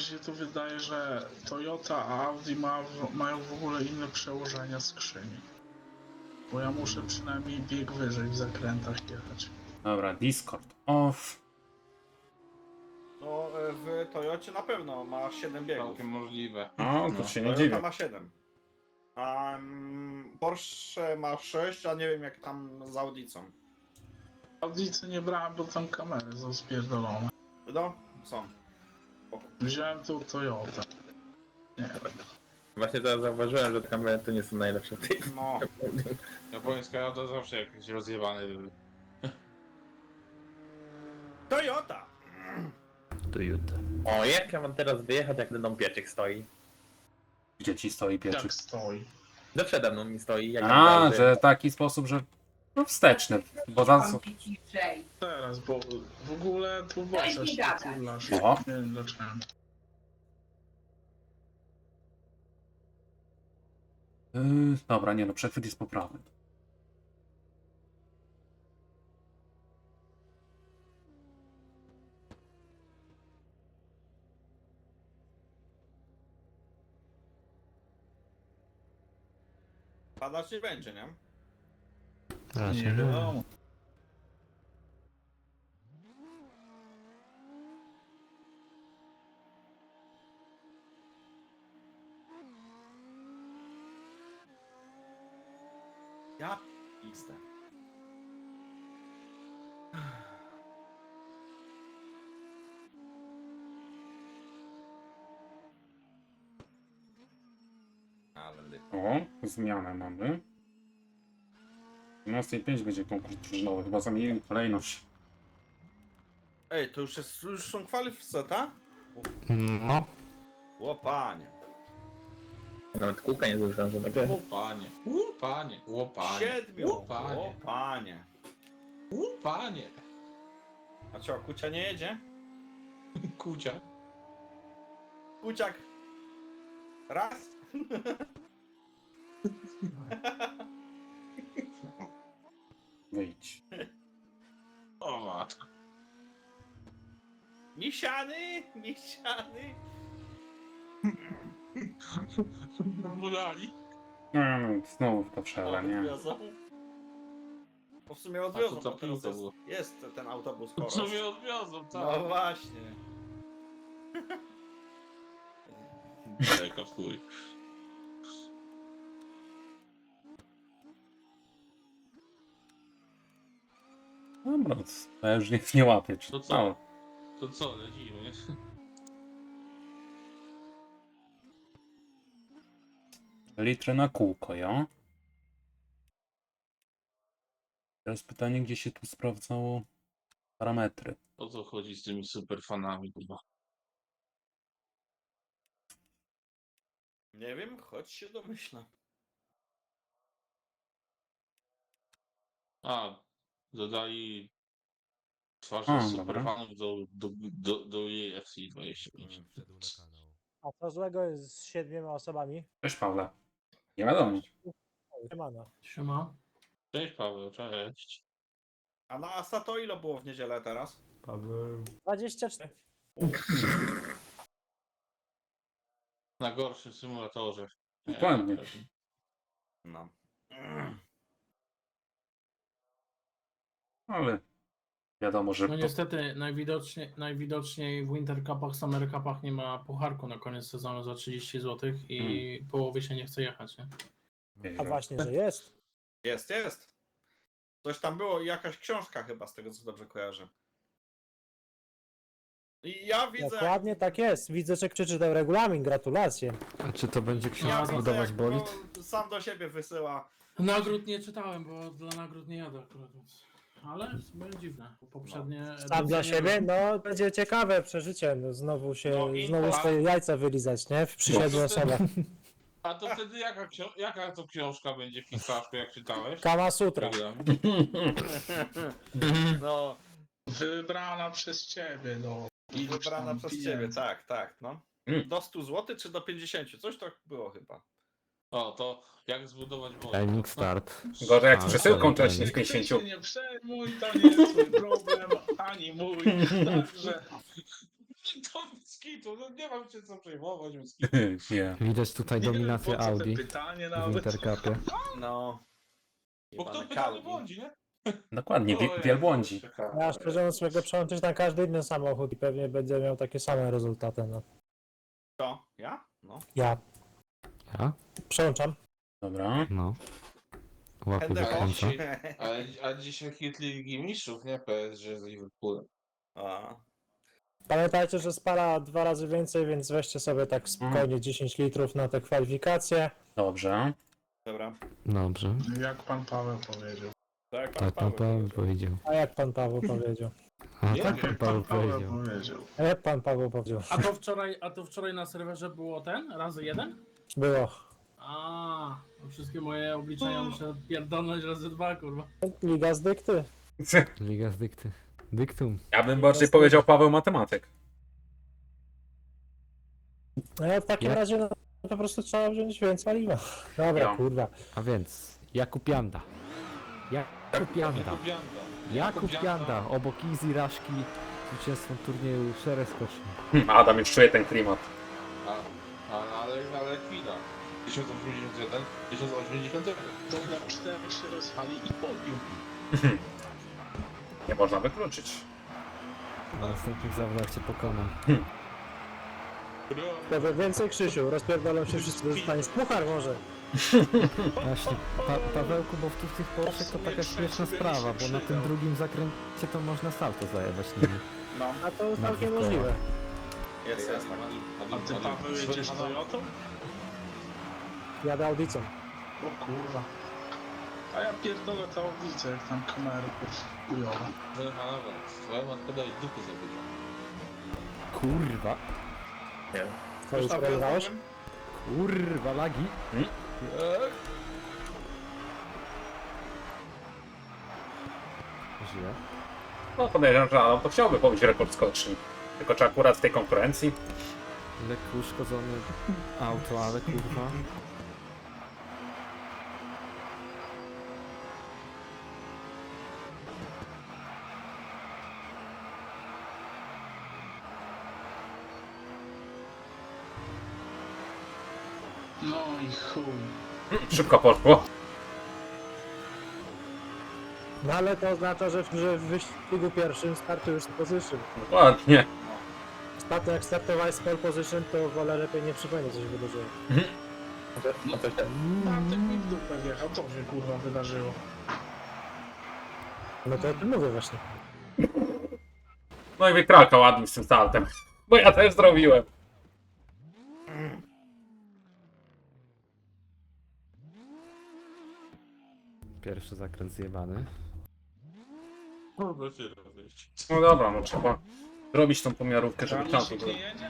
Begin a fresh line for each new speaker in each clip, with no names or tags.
się tu wydaje, że Toyota a Audi mają w ogóle inne przełożenia skrzyni. Bo ja muszę przynajmniej bieg wyżej w zakrętach jechać.
Dobra, Discord off.
No w Toyocie na pewno ma 7 biegów.
Całkiem możliwe.
O, to
No.
się nie
Toyota
dziwię.
ma 7. A Porsche ma 6, a nie wiem jak tam z Audicą.
Audicy nie brałem, bo tam kamery są spierdolone.
No, są.
Wziąłem tu Toyotę. Nie.
Właśnie teraz zauważyłem, że te kamery to nie są najlepsze w tej
No,
Japońska jada zawsze jakiś rozjebany był.
Toyota!
O, jak ja mam teraz wyjechać, jak będą pieczek stoi?
Gdzie ci stoi pieczyk?
Jak stoi.
No przede mną mi stoi. Jak ja
A,
teraz
że taki sposób, że no wsteczny. Bo za co?
Teraz, bo w ogóle tu boczesz,
mi gadać.
turlasz.
Oho.
Nie wiem dlaczego.
Dobra, nie no, przechwyt jest poprawny.
Padać nie będzie, nie?
Nie wiadomo.
Ja pizdę. Ale lipa.
O, zmianę mamy. 12:05 będzie konkurs drużynowy, chyba zamienili kolejność.
Ej, to już są kwalifikacje, tak?
No,
Łopanie.
Nawet kółka nie zużyłem, że takie...
Łupanie, łupanie, łupanie,
7.
łupanie,
Łopanie.
łupanie.
A co, Kucia nie jedzie?
Kucia.
Kuciak. Raz.
Wyjdź.
O matko.
Misiany, misiany.
Budali.
No, znowu w to przele, nie?
Odwiozą. Bo w sumie odwiozą,
A to co
bo teraz
pizza było?
jest ten autobus
To
Koros.
co mnie odwiozą,
No
tak?
właśnie.
Jaka w chuj.
Dobra, to ja już nie łapię. Czy...
To co?
No,
To co, lecimy?
litry na kółko, ja? Teraz pytanie, gdzie się tu sprawdzało parametry.
O co chodzi z tymi superfanami, kurwa?
Nie wiem, choć się domyślam.
A, dodali twarze
A,
superfanów do EFC 25.
A co złego jest z 7 osobami?
Cześć, Pawle. Nie wiadomo.
Siemano.
Siema.
Cześć Paweł, cześć.
A na Asa to ile było w niedzielę teraz?
Paweł.
24.
Na gorszym symulatorze.
Dokładnie.
No.
Ale wiadomo, że...
No niestety najwidoczniej w Winter Cupach, Summer Cupach nie ma pucharku na koniec sezonu za 30 zł i połowy się nie chce jechać, nie?
A właśnie, że jest.
Jest, jest. Coś tam było, jakaś książka chyba, z tego co dobrze kojarzę. I ja widzę...
Dokładnie tak jest. Widzę, że przeczytał regulamin. Gratulacje.
a czy to będzie
Ja
książka
widzę,
budować
jak
bolid?
sam do siebie wysyła.
Nagród nie czytałem, bo dla nagród nie jadę akurat, więc... Ale w sumie dziwne, bo poprzednie...
Sam dla
edycje-
siebie? No, będzie ciekawe przeżycie. No, znowu swoje jajca wylizać, nie? Przy 7 osobach.
A to wtedy jaka to książka będzie w Kickstarterze, jak czytałeś?
Kama Sutra.
No,
Wybrana przez ciebie, no. Iluś
wybrana
tam
przez
pieniędzy.
ciebie, tak, tak, no.
Mm.
Do 100 zł czy do 50? Coś tak było chyba.
O, to jak zbudować bolid?
Timing start.
Gorzej jak z
A,
przesyłką
sorry,
wcześniej
timing.
z
Ty
50.
się nie przejmuj, to nie jest twój problem, ani mój. Także
To skitu, no nie mam się co przejmować, skitu.
Nie.
Widać tutaj
Nie wiem,
dominację
po co te
Audi
pytanie
w
nawet.
Intercupie.
No.
Bo kto
Jebane
pytany
Audi.
błądzi, nie?
Dokładnie,
O,
wielbłądzi.
Ciekawe.
Ja szczerze mówiąc mogę przełączyć na każdy inny samochód i pewnie będzie miał takie same rezultaty. No.
To? Ja? No.
Ja
Ja?
przełączam.
Dobra.
No. Łapy
Będę
wykręcam.
A dzisiaj hitli Ligi Mistrzów, nie? PSG z Liverpoolem.
A.
Pamiętajcie, że spala 2 razy więcej, więc weźcie sobie tak spokojnie 10 litrów na te kwalifikacje.
Dobrze.
Dobra.
Dobrze.
Jak pan Paweł powiedział.
Tak,
Tak pan Paweł powiedział.
A jak pan Paweł powiedział?
A
Nie,
tak pan
Jak
Paweł
pan Paweł
powiedział.
powiedział.
A jak pan Paweł powiedział?
A to wczoraj na serwerze było ten? Razy 1?
Było.
A, no wszystkie moje obliczenia muszę pierdolnąć razy 2, kurwa.
Liga z dykty.
Liga z dykty. Dyktum.
Ja bym bardziej powiedział Paweł Matematyk.
No ja w takim
Ja-
razie no, po prostu trzeba wziąć więcej paliwa. Dobra,
Ja.
kurwa.
A więc Jakub Janda. Jakub Janda.
Jakub Janda.
Jakub Janda. Obok Easy Raszki zwycięstwem turnieju szereg skoczni.
Adam już czuje ten klimat.
Ale chwila. 1081, 1080.
To na 4 się rozwali i pobił.
Nie można wykluczyć.
Na następnych zawodach cię pokonam.
Dobra, więcej Krzysiu, rozpierdolą się wszyscy, dostaniesz puchar może.
Właśnie, Pawełku, bo w tych Porsche to taka śmieszna sprawa, bo na tym drugim zakręcie to można salto zajebać nimi.
No.
A to jest całkiem
koła.
możliwe.
Jest, jest.
A ty Paweł jedziesz Toyotą?
Jadę audicą.
O kurwa. A ja pierdolę tę audicę, jak tam kamery chujowe.
Twoja matka daje dupy zabycia.
Kurwa,
To już przegrywałeś?
kurwa, lagi. Żyje.
No podejrzewam, że Adam to chciałby pobić rekord skoczni. Tylko czy akurat w tej konkurencji?
Lekko uszkodzone auto, ale kurwa.
No i chuj.
Szybko poszło.
No ale to oznacza, że w wyścigu pierwszym startujesz z position.
Dokładnie.
Ostatnio jak startowałeś z pole position, to wolę lepiej nie przypomnieć, co się wydarzyło.
Bartek mi w dupę wjechał, to się kurwa wydarzyło.
No to o tym mówię właśnie.
No i wykrakał ładnie z tym saltem. Bo ja też zrobiłem.
Pierwszy zakręt zjebany.
Kurwa się rozejść.
No dobra, no trzeba zrobić tą pomiarówkę, żeby
Czarny
czasu
się
było.
nie jedzie?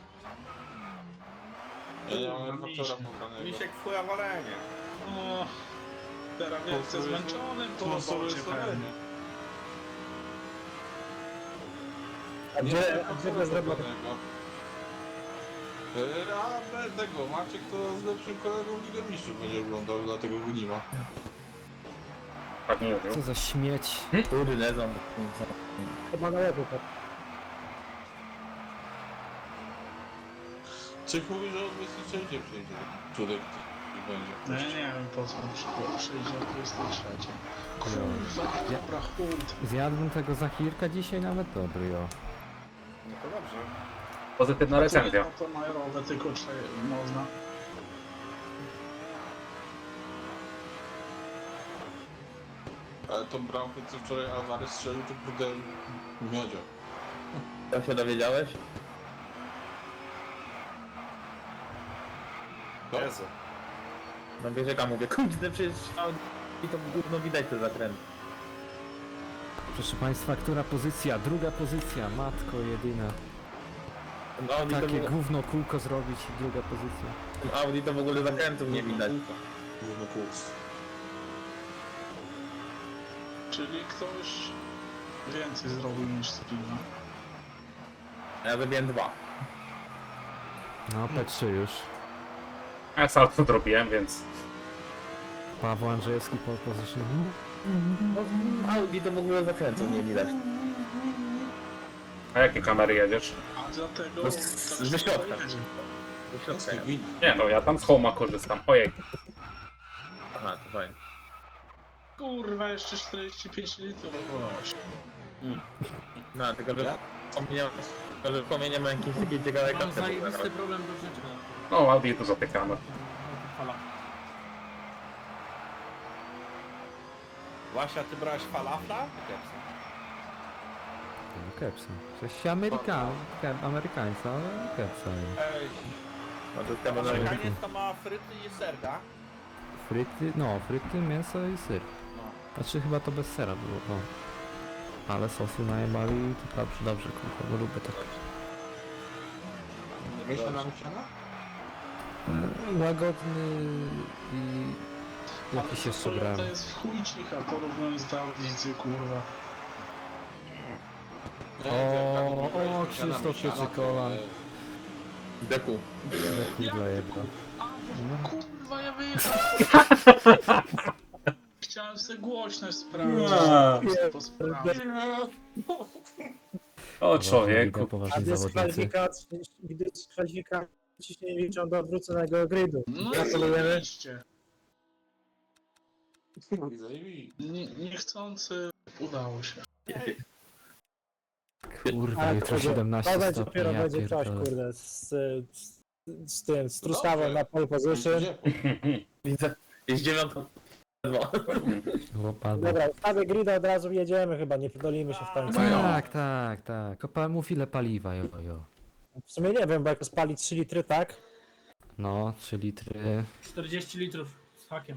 Ja nie mam faktora pobranego.
Misiek w chuja walenie.
O, teraz wielce zmęczony po robocie pewnie.
A gdzie bez roboty?
A tego, Maciek to z lepszym kolegą Ligę Mistrzów będzie oglądał, dlatego go nie ma.
Tak nie mówił.
Co za śmieć.
Kurde,
Chyba na lewo. Tak.
Coś mówi, że od 23 przyjdzie. Czudek i będzie.
No ja nie wiem po co przyjdzie o 23. Kurwa, dobra, chuj.
Zjadłbym tego Zachirka dzisiaj nawet dobry, jo.
No to dobrze.
Pozytywna recenzja.
No to majerowe tylko można.
Ale tą bramkę, co wczoraj Alvarez strzelił, to kurde miodzio.
To się dowiedziałeś?
Jezu.
No wiesz jak ja mówię, kurde, przecież i to gówno widać te zakręty.
Proszę Państwa, która pozycja? Druga pozycja, matko jedyna.
No Audi to,
Takie gówno kółko zrobić i druga pozycja.
Audi to w ogóle zakrętów nie widać.
Główny kurs.
Czyli ktoś więcej zrobił niż Spina.
Ja zrobiłem 2.
No, P3 już.
Ja salto zrobiłem, więc
Paweł Andrzejewski pole position.
No, Audi to w ogóle zakrętów nie widać.
a jakie kamery jedziesz?
A Dlatego
No,
tak
ze środka.
jedzie.
Do środka ja.
Nie no, ja tam z Homa korzystam. Ojej.
Aha, to fajnie.
Kurwa, jeszcze 45 litrów gość.
No, tylko że wspomnienie ma jakieś takie ciekawe
Mam
koncepty.
zajebisty problem do rzeczy.
No, Audi tu zatykamy.
Fala.
Właśnie, ty brałeś falafla?
No kepsa. Coś amerykańca, ale kepsa.
Ej,
No to chyba na
Amerykaniec to ma fryty i serka.
Fryty, mięso i syr.
No.
Znaczy chyba to bez sera było, no. Ale sosy najebali, to dobrze, kurwa, bo lubię tak.
Myślę na siana?
Łagodny i jakiś jeszcze brałem.
To jest w chuj cicha porównując do audycji, kurwa.
O, Krzysztof Pieczykolan.
deku.
Kurwa jebra.
Kurwa, ja wyjechałem. Chciałem sobie głośność sprawdzić. Posprawdzić.
O człowieku.
Poważni zawodnicy.
Gdy dyskwalifikacji się nie liczą do odwróconego gridu.
No
Gratulujemy.
oczywiście. Niechcący udało się.
Kurwa, jutro 17
To będzie
stopni,
dopiero
ja
będzie coś,
pierdolę.
kurde, z tym, z Trustawą na pole position.
Widzę, jest 9:02.
Łopadło.
Dobra, ustawię grida, od razu jedziemy chyba, nie podolimy się w końcu.
Tak. Mów ile paliwa, jo.
W sumie nie wiem, bo jak spali 3 litry, tak?
No, 3 litry.
40 litrów z hakiem.